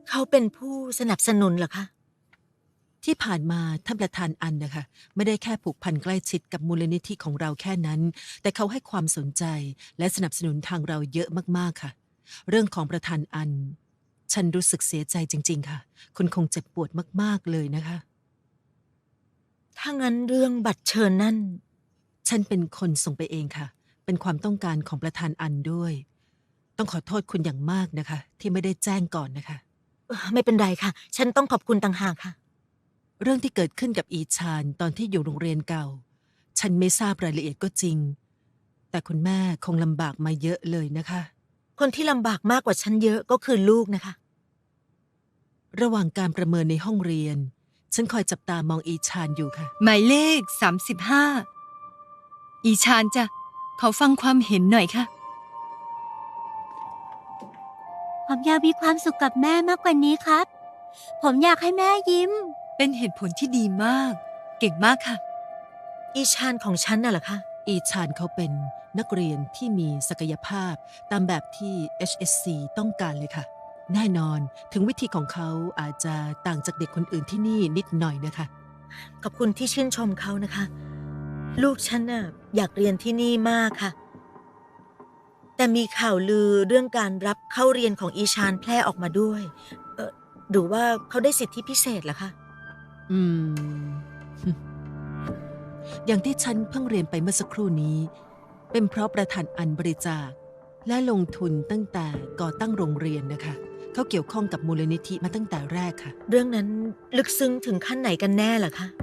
เขาเป็นผู้สนับสนุนเหรอคะที่ผ่านมาท่านประธานอันนะคะไม่ได้แค่ผูกพันใกล้ชิดกับมูลนิธิของเราแค่นั้นแต่เขาให้ความสนใจและสนับสนุนทางเราเยอะมากๆค่ะเรื่องของประธานอันฉันรู้สึกเสียใจจริงๆค่ะคุณคงเจ็บปวดมากๆเลยนะคะถ้างั้นเรื่องบัตรเชิญนั่นฉันเป็นคนส่งไปเองค่ะเป็นความต้องการของประธานอันด้วยต้องขอโทษคุณอย่างมากนะคะที่ไม่ได้แจ้งก่อนนะคะไม่เป็นไรค่ะฉันต้องขอบคุณต่างหากค่ะเรื่องที่เกิดขึ้นกับอีชานตอนที่อยู่โรงเรียนเก่าฉันไม่ทราบรายละเอียดก็จริงแต่คุณแม่คงลำบากมาเยอะเลยนะคะคนที่ลำบากมากกว่าฉันเยอะก็คือลูกนะคะระหว่างการประเมินในห้องเรียน ฉันคอยจับตามองอีชานอยู่ค่ะหมายเลข35อีชานจ้ะขอฟังความเห็นหน่อยค่ะผมอยากมีความสุขกับแม่มากกว่านี้ครับ ผมอยากให้แม่ยิ้มเป็นเหตุผลที่ดีมาก เก่งมากค่ะอีชานของฉันน่ะเหรอคะอีชานเขาเป็นนักเรียนที่มีศักยภาพตามแบบที่ HSC ต้องการเลยค่ะ แน่นอนถึงวิธีของเขาอาจจะต่างจากเด็กคนอื่นที่นี่นิดหน่อยนะคะขอบคุณที่ชื่นชมเขานะคะลูกฉันน่ะอยากเรียนที่นี่มากค่ะแต่มีข่าวลือเรื่องการรับเข้าเรียนของอีชานแพร่ออกมาด้วยหรือว่าเขาได้สิทธิพิเศษเหรอคะอืม อย่างที่ฉันเพิ่งเรียนไปเมื่อสักครู่นี้ เป็นเพราะประธานอันบริจาคและลงทุนตั้งแต่ก่อตั้งโรงเรียนนะคะ เขาเกี่ยวข้องกับมูลนิธิมาตั้งแต่แรกค่ะเรื่องนั้นลึกซึ้งถึงขั้นไหนกันแน่ล่ะคะ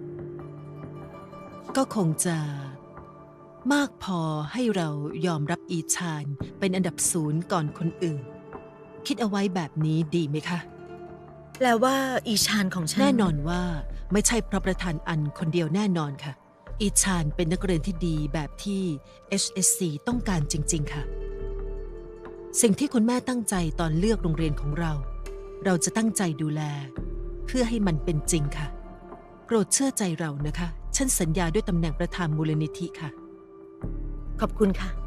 ก็คงจะมากพอให้เรายอมรับอีชานเป็นอันดับ0ก่อนคนอื่น คิดเอาไว้แบบนี้ดีไหมคะแปลว่าอีชานของฉันแน่นอนว่าไม่ใช่เพราะประธานอันคนเดียวแน่นอนค่ะ อีชานเป็นนักเรียนที่ดีแบบที่ HSC ต้องการจริงๆค่ะ สิ่งที่คุณแม่ตั้งใจตอนเลือกโรงเรียนของเรา เราจะตั้งใจดูแล เพื่อให้มันเป็นจริงค่ะโปรดเชื่อใจเรานะคะฉันสัญญาด้วยตำแหน่งประธานมูลนิธิค่ะขอบคุณค่ะ